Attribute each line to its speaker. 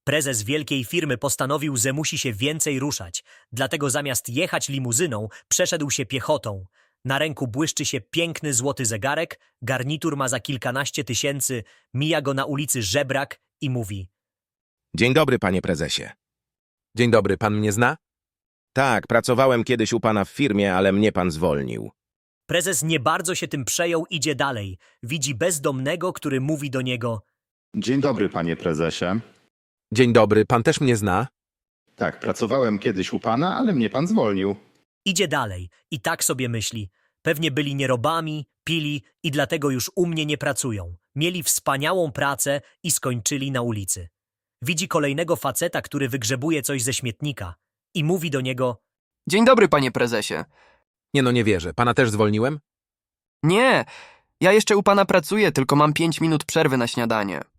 Speaker 1: Prezes wielkiej firmy postanowił, że musi się więcej ruszać, dlatego zamiast jechać limuzyną, przeszedł się piechotą. Na ręku błyszczy się piękny złoty zegarek, garnitur ma za kilkanaście tysięcy, mija go na ulicy żebrak i mówi:
Speaker 2: Dzień dobry, panie prezesie.
Speaker 3: Dzień dobry, pan mnie zna?
Speaker 2: Tak, pracowałem kiedyś u pana w firmie, ale mnie pan zwolnił.
Speaker 1: Prezes nie bardzo się tym przejął, idzie dalej. Widzi bezdomnego, który mówi do niego:
Speaker 4: Dzień dobry, panie prezesie.
Speaker 3: Dzień dobry, pan też mnie zna?
Speaker 4: Tak, pracowałem kiedyś u pana, ale mnie pan zwolnił.
Speaker 1: Idzie dalej i tak sobie myśli: pewnie byli nierobami, pili i dlatego już u mnie nie pracują. Mieli wspaniałą pracę i skończyli na ulicy. Widzi kolejnego faceta, który wygrzebuje coś ze śmietnika i mówi do niego:
Speaker 5: Dzień dobry, panie prezesie.
Speaker 3: Nie no, nie wierzę. Pana też zwolniłem?
Speaker 5: Nie, ja jeszcze u pana pracuję, tylko mam 5 minut przerwy na śniadanie.